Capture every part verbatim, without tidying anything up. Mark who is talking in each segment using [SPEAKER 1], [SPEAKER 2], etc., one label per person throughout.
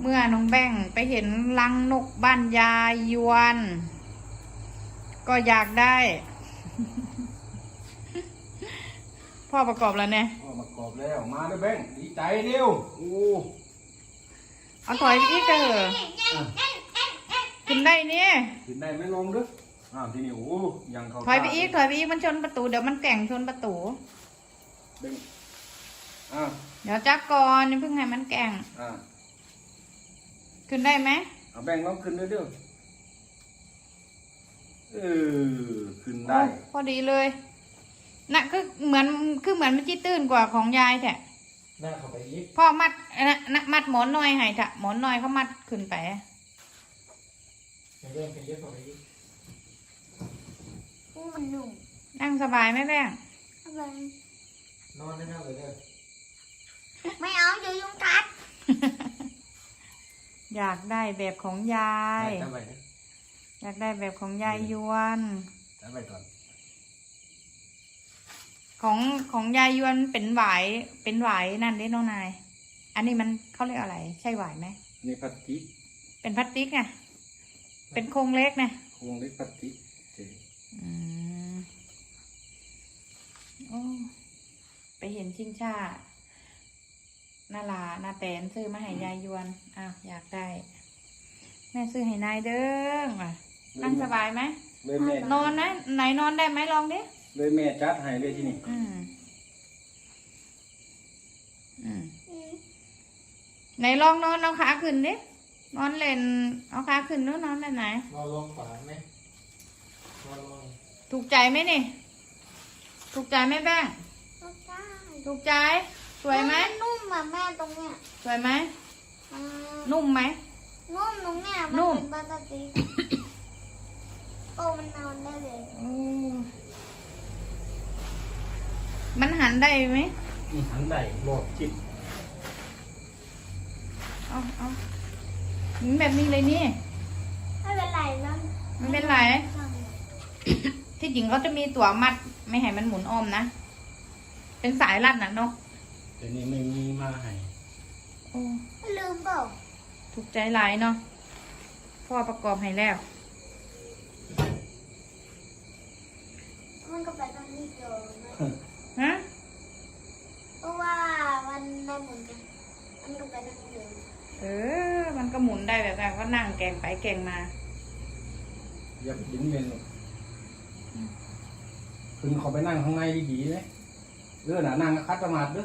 [SPEAKER 1] เมื่อน้องแบงไปเห็นรังนกบ้านยายยวนก็อยากได้ พ่อประกอบแล้วเนี่ย
[SPEAKER 2] พ่อประกอบแล้วมาด้วยแบงดีใจเร็วโอ้
[SPEAKER 1] เอาถอยไปอีกเถอะขึ้นได้เนี่ย
[SPEAKER 2] ขึ้นได้ไม่ลงด้วยอ้าวทีนี้โอ้ยังเขา
[SPEAKER 1] ถอยไปอีกถอยไปอีกมันชนประตูเดี๋ยวมันแก่งชนประตู
[SPEAKER 2] แบงอ้าว
[SPEAKER 1] เดี๋ยวจักก่อนนี่เพิ่งให้มันแก่ง
[SPEAKER 2] อ่า
[SPEAKER 1] ขึ้นได้ไหม
[SPEAKER 2] เอาแบงลองขึ้นด้วยเด้อเออขึ้นได้
[SPEAKER 1] พอดีเลยน่ะคือเหมือนคือเหมือนมันจี้ตื้นกว่าของยายแท้
[SPEAKER 2] หน้าเข้าไปอีก
[SPEAKER 1] พ่อมัดนะนะมัดหมอนน้อยให้ถ่ะหมอนน้อยเขามัดขึ้นไป
[SPEAKER 2] เรื่องไปเยอะเข้าไปอีก
[SPEAKER 3] มันหนุ่ม
[SPEAKER 1] นั่งสบายไหมแม่
[SPEAKER 2] นอนได้ไหมเลยเด้อ
[SPEAKER 3] ไม่เอาเดี๋ยวยุงกัด
[SPEAKER 1] อยากได้แบบของยายอยากได้แบบของยายยวน
[SPEAKER 2] ไปก่อน
[SPEAKER 1] ของของยายยวนเป็นหวายเป็นหวายนั่นดิน้องนายอันนี้มันเขาเรียกอะไรใช่หวายไหม
[SPEAKER 2] นี่พลาสติก
[SPEAKER 1] เป็นพลาสติกไงเป็นโครงเล็กไง
[SPEAKER 2] โครงเล็กพลาสติก
[SPEAKER 1] อืมโอ้ไปเห็นชิงช่านาลานาแตนซื้อมาให้ยายยวนอ้าวอยากได้แม่ซื้อให้นายเด้อมานั่งสบายไหมนอนนะไหนนอนได้ไหมลองดิ
[SPEAKER 2] เลยแม่จัดให้เลยที่นี่
[SPEAKER 1] อืมอืมไหนลองนอนเอาขาขึ้นดินอนเล่นเอาขาขึ้นนู้นนอนได้ไหน
[SPEAKER 2] นอนลงฝาไหมนอนลง
[SPEAKER 1] ถูกใจไหมนี่ถูกใจไหมแป้ง
[SPEAKER 3] ถูกใจ
[SPEAKER 1] ถูกใจสวยไหม
[SPEAKER 3] นุ่มแบบแม่ตรงเนี้ย
[SPEAKER 1] สวยไหมนุ่มไหม
[SPEAKER 3] นุ่มตรงเนี้ยมันเป็นปกติโอ้มันนอนได้เลย
[SPEAKER 1] มันหันได้ไหม
[SPEAKER 2] หันได้หลอดจิต
[SPEAKER 1] เอาเอาหมุนแบบนี้เลยนี่
[SPEAKER 3] ไม่เป็นไรนะ
[SPEAKER 1] ไม่เป็นไรที่จริงเขาจะมีตัวมัดไม่ให้มันหมุนอ้อมนะเป็นสายรัดนะเนาะ
[SPEAKER 2] แต่นี่ไม่มีมาให้
[SPEAKER 1] โอ้
[SPEAKER 3] ลืมเปล่า
[SPEAKER 1] ถูกใจหลายเนาะพ่อประกอบให้แล้ว
[SPEAKER 3] มันก็ไปตรงนี้เดียว
[SPEAKER 1] ฮะ
[SPEAKER 3] เพราะว่ามันได้หมุนกันมันก็ไปตรงนี้เดียว
[SPEAKER 1] เออมันก็หมุนได้แบบนั้นก็นั่งแกงไปแกงมา
[SPEAKER 2] อยากดิ้นเมนหรอกคุณเขาไปนั่งข้างในดีๆไหมเรื่องน่ะนั่งคัดสมาธิด้วย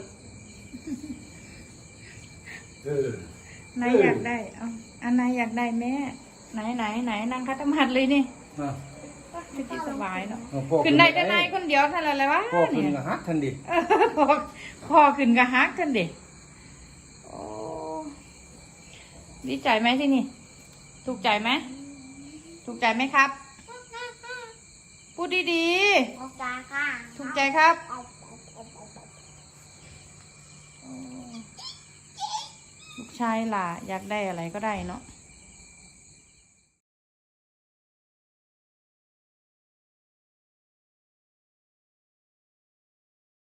[SPEAKER 2] เออน
[SPEAKER 1] ายอยากได้เอาอันนายอยากได้แม่ไหนไหนไหนนั่งคัดสมาธิเลยนี่ที่สบายเนาะขึ้นได้แต่นายคนเดียวท่านอะไรวะ
[SPEAKER 2] พ่อขึ้นกับฮักทันดิ
[SPEAKER 1] พ่อพ่อขึ้นกับฮักทันดิโอ้ดีใจไหมที่นี่ถูกใจไหมถูกใจไหมครับพูดดี
[SPEAKER 3] ๆถูกใจค่ะ
[SPEAKER 1] ถูกใจครับลูกชายล่ะอยากได้อะไรก็ได้เนาะ